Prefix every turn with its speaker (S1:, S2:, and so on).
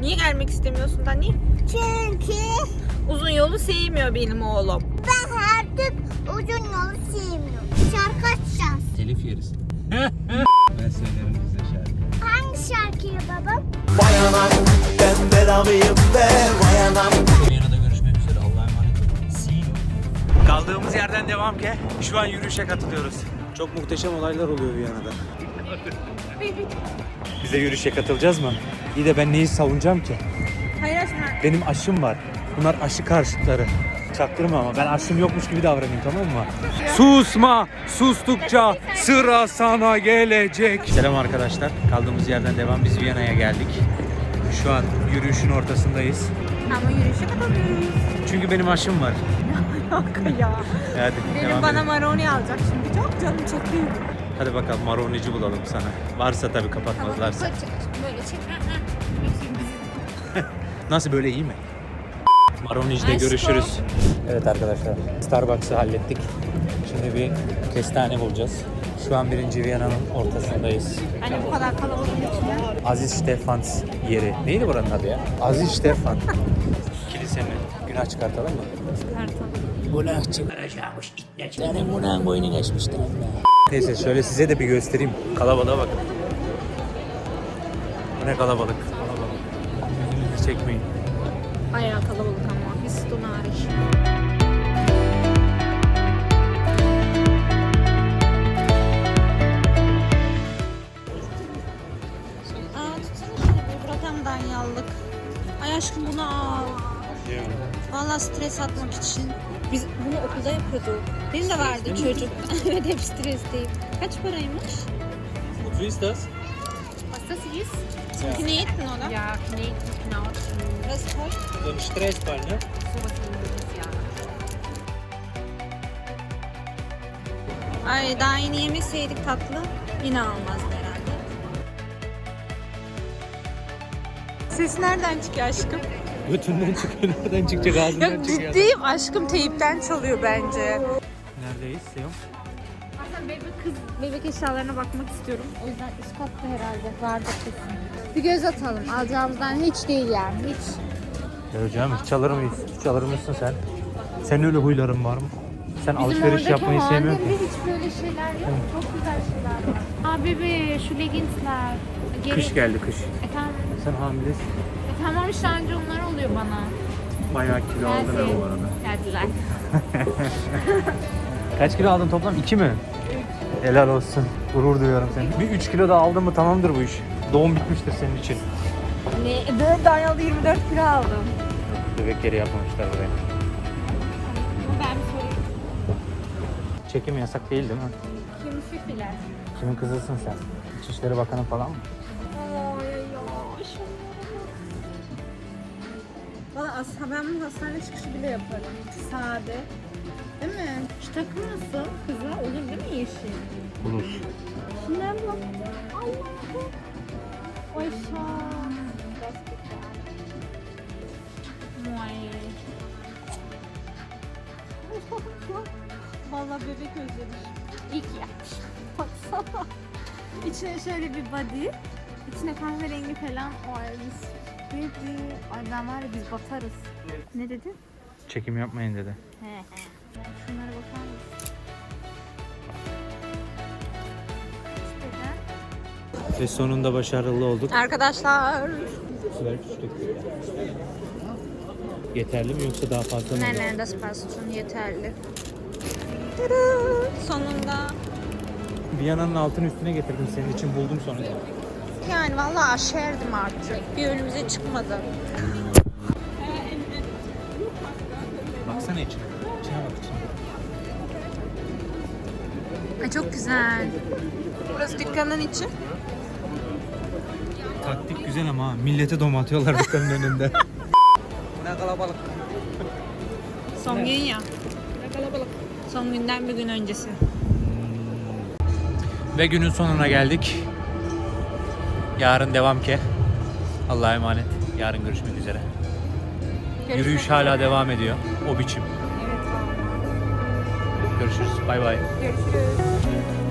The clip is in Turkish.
S1: Niye gelmek istemiyorsun Dani?
S2: Çünkü
S1: Uzun yolu sevmiyor benim oğlum.
S2: ben artık uzun yolu sevmiyorum. Şarkı açacağız.
S3: Telif yeriz. Ben söylerim bize şarkı.
S2: Hangi şarkıyı babam?
S4: Vay anam ben belalıyım be vay anam.
S3: Viyana'da görüşmek üzere. Allah'a emanet olun. See you. Kaldığımız yerden devam ki. Şu an yürüyüşe katılıyoruz. Çok muhteşem olaylar oluyor Viyana'da. Bize yürüyüşe katılacağız mı? İyi de ben neyi savunacağım ki?
S1: Hayır aşkım.
S3: Benim aşım var. Bunlar aşı karşıtları. Çaktırma ama ben aşım yokmuş gibi davranayım, tamam mı? Susma! Sustukça sıra sana gelecek. Selam arkadaşlar. Kaldığımız yerden devam. Biz Viyana'ya geldik. Şu an yürüyüşün ortasındayız.
S1: Ama yürüyüşe katılıyoruz.
S3: Çünkü benim aşım var.
S1: Alaka ya.
S3: Hadi
S1: Benim
S3: devam
S1: bana
S3: edelim.
S1: maroni alacak şimdi. Çok canım çekiyor.
S3: Hadi bakalım maronici bulalım sana. Varsa tabii kapatmazlarsa.
S1: Böyle çek.
S3: Nasıl, böyle iyi mi? Maronici'de
S1: Aşkım.
S3: görüşürüz. Evet arkadaşlar, Starbucks'ı hallettik. Şimdi bir kestane bulacağız. Şu an 1. Viyana'nın ortasındayız.
S1: Hani bu kadar kalabalığın içinde.
S3: Aziz Stefans yeri. Neydi buranın adı ya? Aziz Stefan. Kilisenin günah çıkartalım mı?
S1: Çıkartalım.
S3: Günah çıkaracakmış. Senin günahın boynu geçmiştir. Neyse şöyle size de bir göstereyim. Kalabalığa bakın. Bu ne kalabalık. Yüzünüzü çekmeyin.
S1: Bayağı kalabalık ama. Biz hariç. Tutsana şöyle bir bırakam danyallık. Ay aşkım bunu al. Vallahi stres atmak için. Biz bunu okulda yapıyorduk. Benim de vardı çocuk. Evet, hep stresteyim. Kaç paraymış?
S3: Wie ist das?
S1: Was das ist? Zum Kneten, oder?
S5: Ja, Kneten, Knautschen,
S1: Das ist toll.
S3: So ein Stressball, ne?
S5: sowas ähnliches, ja.
S1: Ay daha yeni yemeseydik tatlı yine almazdı herhalde. Ses nereden çıkıyor aşkım?
S3: Götünden çıkıyor, nereden çıkacak, ağzından
S1: Yok
S3: çıkıyor.
S1: ciddiyim aşkım, teyipten çalıyor bence.
S3: Neredeyiz Seyum?
S1: Aslında bebek eşyalarına bakmak istiyorum. O yüzden üst katta herhalde vardır kesin. Bir göz atalım. Alacağımızdan hiç değil yani, hiç.
S3: Ya hocam hiç alır mıyız? Hiç alır mısın sen? Senin öyle huyların var mı? Sen alışveriş yapmayı sevmiyorsun ki.
S5: Hiç böyle şeyler yok. Çok güzel şeyler var. Aa bebe, şu leggingsler.
S3: Kış geldi, kış.
S5: Tamam.
S3: Sen hamilesin.
S5: Tamam işte anca onlar oluyor bana.
S3: Bayağı kilo aldın ha bu arada.
S5: Geldiler.
S3: Kaç kilo aldın toplam? 2 mi? 3. Helal olsun. Gurur duyuyorum seni. Bir 3 kilo daha aldın mı tamamdır bu iş. Doğum bitmiştir senin için.
S1: Ne? Böyle danyalı 24 kilo aldım.
S3: Bebek yeri yapmamışlar buraya.
S5: Ben bir sorayım.
S3: Çekim yasak değil mi?
S5: Kim fifiler?
S3: Kimin kızısın sen? İçişleri Bakanı falan mı?
S1: Valla ben bunu hastane çıkışı bile yaparım. Sade. Değil mi?
S5: Şu takım nasıl? Kıza olur değil mi yeşil?
S3: Bulur.
S5: Şunlara bak. Allah'ım. Ay şan. Muay.
S1: Valla bebek özlemiş.
S5: İyi ki yapmış. Baksana. İçine şöyle bir body. İçine kahverengi falan. Ay biz. Baby. Ay ben var ya biz batarız. Ne dedin?
S3: Çekim yapmayın dedi.
S5: He he. Şunlara bakar mısın? İşte
S3: Ve sonunda başarılı olduk.
S1: Arkadaşlar.
S3: Yeterli mi yoksa daha fazla mı?
S1: Nein, das passt schon yeterli. Sonunda.
S3: Viyana'nın altını üstüne getirdim senin için, buldum sonra.
S1: Yani vallahi aşerdim artık. Bir önümüze çıkmadı.
S3: Baksana içine. İçine bak içine.
S1: Ay çok güzel. Burası dükkanın içi.
S3: Taktik güzel ama ha. Millete dom atıyorlar dükkanın önünde. Ne kalabalık.
S1: Son gün ya. Son günden bir gün öncesi.
S3: Ve günün sonuna geldik. Yarın devam ki. Allah'a emanet. Yarın görüşmek üzere. Yürüyüş hala devam ediyor. O biçim. Görüşürüz. Bay bay.
S1: Görüşürüz.